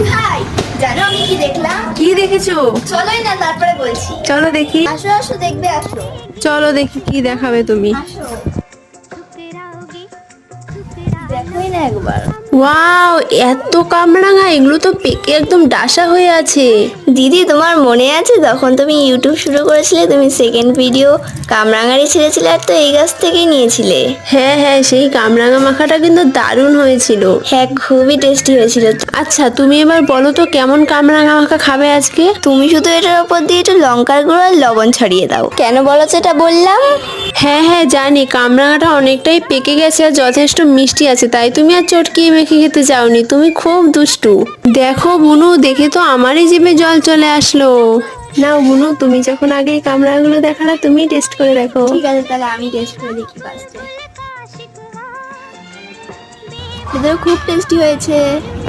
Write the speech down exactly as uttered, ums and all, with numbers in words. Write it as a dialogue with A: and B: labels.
A: দিদি ভাই, জানো আমি কি দেখলাম?
B: কি দেখেছো?
A: চলোই না, তারপরে বলছি।
B: চলো দেখি।
A: আসো আসো, দেখবে আসো।
B: চলো দেখি কি দেখাবে তুমি।
A: আসো, দেখোই না একবার।
B: ওয়াও, এত কামরাঙা! এগুলো তো পেকে একদম ডাসা হয়ে আছে।
A: দিদি, তোমার মনে আছে তখন তুমি ইউটিউব শুরু করেছিলে, তুমি সেকেন্ড ভিডিও কামরাঙারি ছেড়েছিলে আর তো এই গাছ থেকেই নিয়েছিলে।
B: হ্যাঁ হ্যাঁ, সেই কামরাঙা মাখাটা কিন্তু দারুণ হয়েছিল।
A: হ্যাঁ, খুবই টেস্টি হয়েছিল।
B: আচ্ছা, তুমি এবার বলো তো কেমন কামরাঙা মাখা খাবে আজকে?
A: তুমি শুধু এটার উপর দিয়ে একটু লঙ্কার গুঁড়ো আর লবণ ছড়িয়ে দাও। কেন বলো তো এটা বললাম?
B: হ্যাঁ হ্যাঁ জানি, কামরাঙাটা অনেকটাই পেকে গেছে আর যথেষ্ট মিষ্টি আছে, তাই তুমি আর চটকিয়ে মেখে খেতে চাওনি। তুমি খুব দুষ্টু। দেখো বুনু, দেখে তো আমারই জিভে জল চলে আসলো। নাও বুনু, তুমি যখন আগে এই কামরাঙাগুলো দেখালা, তুমি টেস্ট করে দেখো।
A: ঠিক আছে, তাহলে আমি টেস্ট করে দেখি ফার্স্টে। এটা খুব টেস্টি হয়েছে।